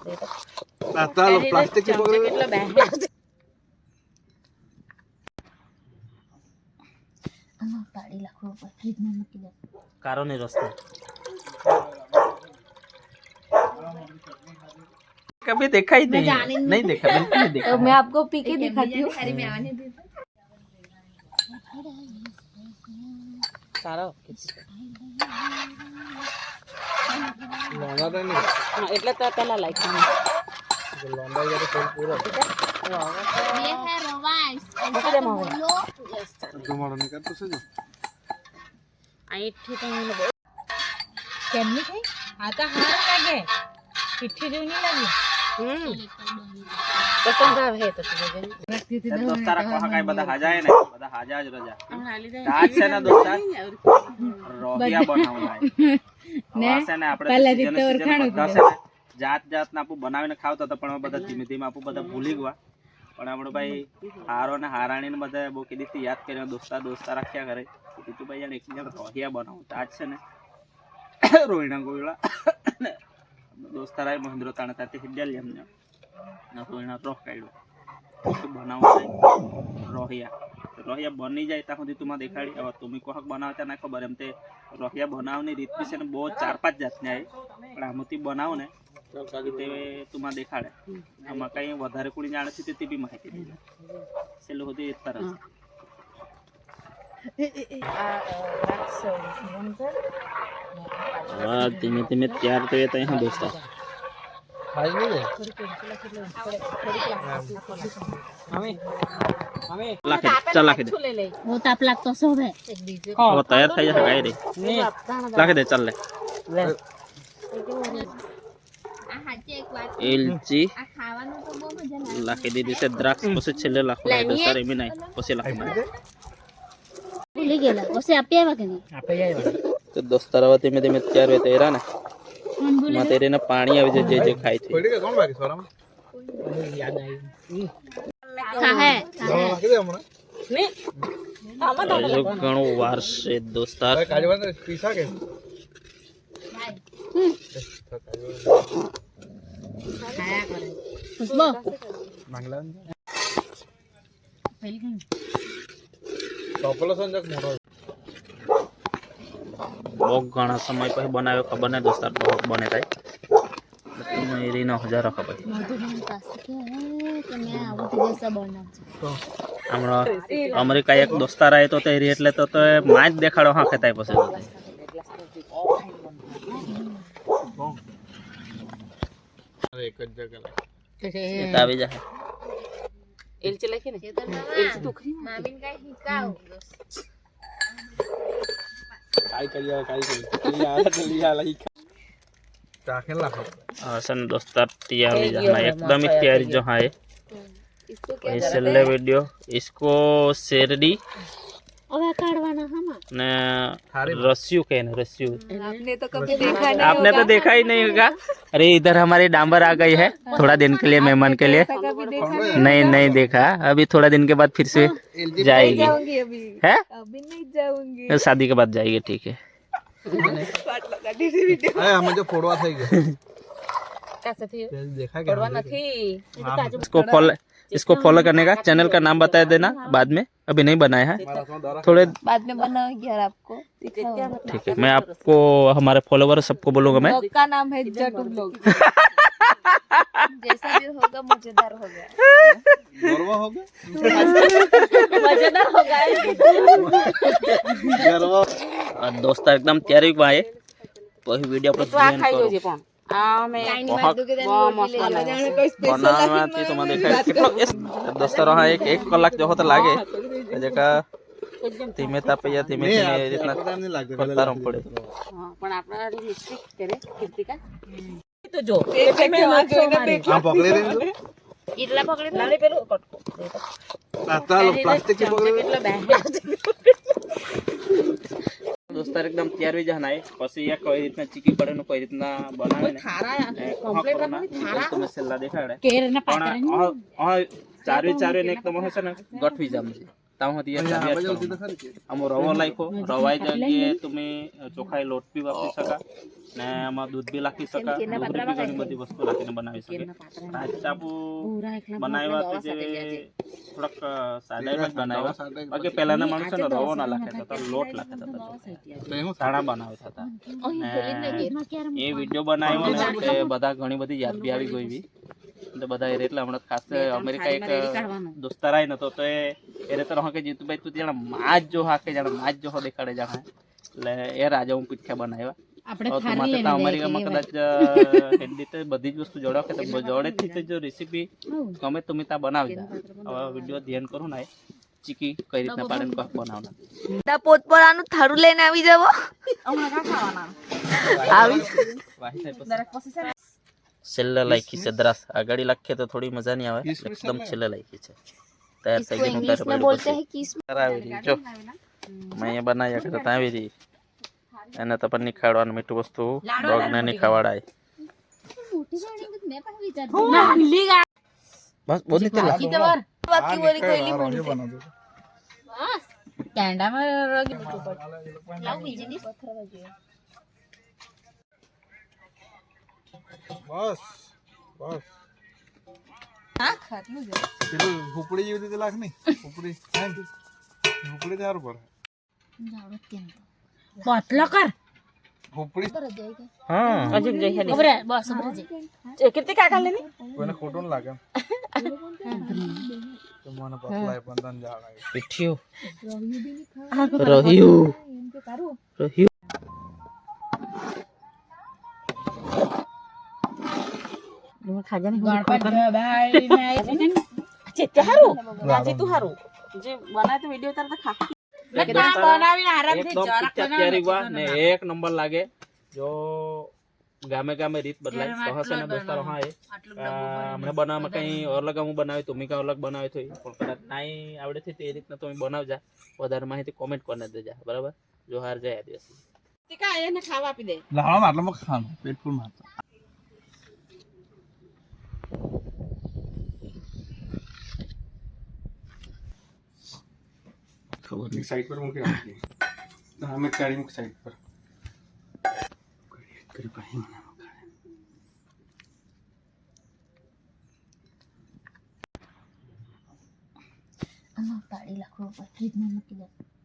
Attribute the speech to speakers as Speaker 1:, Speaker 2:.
Speaker 1: Plastic થી પકડે કેટલો બે આમાં પાડી લખવો પર ફ્રીજમાં મૂકી દે કારો ને રસ્તો कभी देखा ही नहीं देखा बिल्कुल नहीं देखा। तो मैं आपको पी के दिखाती हूँ। अरे मैं आने दे सारा लोंडा तो नहीं हां એટલે તો પેલા લાઈક લોંडा ये तो पूरा ये है रोवाइस ऐसा बोलो यस तुम्हारा निकल तो सही आई ठीक है बोल केमनी थी आता हार लागे चिट्ठी जो नहीं लगी पसंद है तो दोस्तारा कहा काय बदा हाजाय ने बदा हाजा ज रजा आज से ना दोस्ता रोहिया बनावलाय ने से ने આપણે પહેલા રીતે ઓળખાણો જાત જાત ના આપુ બનાવીને ખાવતો તો પણ બધા ધીમે ધીમે આપુ બધા ભૂલી ગયા પણ આપણો ભાઈ હારો ને હારાણી ને બધા બહુ કીધી યાદ કરીને દોસ્તા રાખ્યા કરે તું ભાઈ એક જણ રોહિયા બનાવતા આજ છે ને રોહિણા ગોળા दोस्तारा महेंद्र ताने ताते हिड्याल हमने ना रोहिणा रोह काढलो तो बनावो रोहिया रोहिया बनी जाए ता सुधी तुमा देखाडी अब तुमी कोहक बनावता ना खबर एम ते रोहिया बनावनी रीत बी छे ने बहुत 4-5 जातनी आए पण आमती बनाव ने ते तुमा देखाडे आमा कई वधारे कोणी जाणे छे ते बी माहिती दे सेलो होती एक तरह वाह धीमे धीमे तैयार तो ये यहाँ दोस्ता खाई नहीं है हमें लाके चल लाके दे वो ताप लाग तो सब है वो तैयार થઈ જશે ગાય રે લાકે દે ચાલ લે આ હાચે એક વાત એલચી આ ખાવાનું તો બહુ મજા લાગે લાકે દીધી છે દ્રાક્ષ પછી છેલ્લે લાખો દોસ્તા રે મી નહીં પછી લાખો ભૂલી ગયેલા પછી આપી આવ્યા કે નહીં આપી આવ્યા तो दोस्तारा धीमे धीमे तैयार हुए तेरा ना तेरे ना पानी आवे जे जे खाई थी कौन बाकी सोरा में याद आई खा है लाके दे हमरा नहीं जो घणो वार से दोस्तार काजवा ने पीसा के खाया करे खुशबू मांगला पहले कहीं टोपलो संजक मोरो बहुत घना समय पे बनावे खबर नहीं दोस्तार बहुत बने थाय मेरी 9000 खबर हमरा अमेरिका एक दोस्तार आए तो तेरी એટલે તો માજ દેખાડો હા ખેતાય પછી અરે એક જ જગ્યા લે આવી જાય એલચી લખી ને એલચી ટુકરી મામીન કાઈ હિકાવ काय लिया लाई टाकेल ला सन दोस्तार तैयार हो जाना एकदम ही तैयारी जो है इसको वीडियो इसको शेरडी अबे काटवाना हम ने रस्सियों कहने रस्सियों आपने तो कभी देखा नहीं आपने तो देखा ही नहीं होगा अरे इधर हमारी डांबर आ गई है थोड़ा दिन के लिए मेहमान के लिए नहीं देखा अभी थोड़ा दिन के बाद फिर से जाएगी है अभी नहीं जाऊंगी शादी के बाद जाएगी ठीक है जो फोड़वा થઈ ગયો कैसे थी देखा क्या फोड़वा नहीं इसको फॉलो करने का चैनल का नाम बता देना बाद में अभी नहीं बनाया है थोड़े बाद में बनाऊंगी यार आपको ठीक है मैं आपको हमारे फॉलोवर सबको बोलूंगा मैं का नाम है जटू ब्लॉग जैसा भी होगा मजेदार होगा गरवा होगा मजेदार होगा गरवा दोस्त एकदम तैयारी में आए वही वीडियो पर ध्यान करो दोस्तों एक कलाक जो होता लागे धीमे तापे या धीमे धीमे इतना करता रहना पड़े पण आपला रिस्ट्रिक्ट करे कृतिका तो जो हां पकड़े रे इटला पकड़े लाले पेलो कटको आता प्लास्टिक की पकड़े કેટલો બે दोस्तार एकदम तैयार हो जाना है પછી या कोई રીતના ચીકી પડે ને કોઈ રીતના બનાવે ને ખારા કમ્પ્લીટ રાખવાની ખારા તો મસાલા દેખાડે કેર ના પાતરા ચારે ને એકદમ હશે ને ગઠવી જામ છે ताव होती है आम रवो लाखो रवाई जगह तुम्हें चोखाई लोट भी वापरी सका ने आम दूध भी लाखी सका दूध भी घणी बधी वस्तु लाखीने बनावी सके टापू बनाव्या तो जे थोड़ाक सादाई में बनाव्या बाकी पहलाना माणस ने रवो ना लाखता था लोट लाखता था साणा बनावता था ये वीडियो बनाव्यो ने ते बधा घणी बधी याद भी આવી ગઈ तो बधा एरे એટલે હમણાં ખાસ અમેરિકા એક દોસ્તાર આય નતો તો એરે તો રહે કે જીતુભાઈ તું જાણે માજ જો હાકે જાણે માજ જો દેખાડે જાણે એટલે એ રાજા હું પીઠા બનાવ્યા આપણે ખારી લેને અમેરિકામાં કદાચ હેન્ડી તો બધી જ વસ્તુ જોડો કે તો જોડેથી તો જો રેસીપી ગમે તમે તા બનાવી દા હવે વિડિયો ધ્યાન કરો ને ચીકી કઈ રીતના પાડે કોક બનાવના
Speaker 2: તા પોતપોરાનું થારું લઈને આવી જાવો
Speaker 3: હમણાં કા ખાવાના
Speaker 2: આવી
Speaker 1: વાહી થાય
Speaker 3: દરેક પોસીશન
Speaker 1: છેલ્લે લાખી છે દ્રાસ આગળી લાખે તો થોડી મજા નહીં આવે એકદમ છેલ્લે લાખી છે तैयार થઈ ગઈ
Speaker 2: इंग्लिश में बोलते हैं किस
Speaker 1: આવી રહી જો મેં અહીંયા બનાવ્યા કરતા આવી રહી એને તો પણ નહીં ખાવડવાનું મીઠું વસ્તુ ડોગને નહીં ખવાડાય બસ બોલી તે લાગી
Speaker 3: वर
Speaker 2: बाकी बोली कोयली बोली
Speaker 3: कैंडा में
Speaker 2: लाग बीजे नी पत्थर बजे
Speaker 4: बस बस
Speaker 2: हां खातलू जो
Speaker 4: પેલું હુપડી જેવી રીતે લાગ નહીં હુપડી નહીં હુપડી તાર પર
Speaker 2: जावत केम
Speaker 3: पतला कर
Speaker 4: હુપડી
Speaker 2: पर जाएगा
Speaker 1: हां
Speaker 2: अजून जाई है
Speaker 3: बरे बस बरे कितने का कर लेनी
Speaker 4: કોઈને ખોટું ન લાગે તો મને પતલાય પણ તન જાળાય
Speaker 1: પીઠ્યો રહ્યું રહ્યું
Speaker 3: खाजा नहीं गणपत भाई मैं चेते हारू राजी तू हारू जे बनाय तो वीडियो उतार तो खा बनावीने आराम થી
Speaker 1: એકદમ તૈયારી વા ને એક નંબર લાગે જો ગામે ગામે રીત બદલાય તો હશે ને દોસ્તારો હા એ મને બનાવવામાં કઈ અલગ હું બનાવી તો મી કા અલગ બનાવી તો પણ કદાચ નાઈ આવડે છે તે રીતના તમે બનાવજા વધારે માહિતી કોમેન્ટ કરીને દેજા બરાબર જો હાર જાય આ દિવસ
Speaker 3: તીકા એને ખાવા આપી દે
Speaker 4: લાવા માટલામાં ખાવાનું પેટ ફૂલ મારતા खबर नहीं साइड पर मुके रखी हमें गाड़ी मुके साइड पर कर पाए मना
Speaker 2: अम्मा 2.5 लाख रुपए कितना मुकिला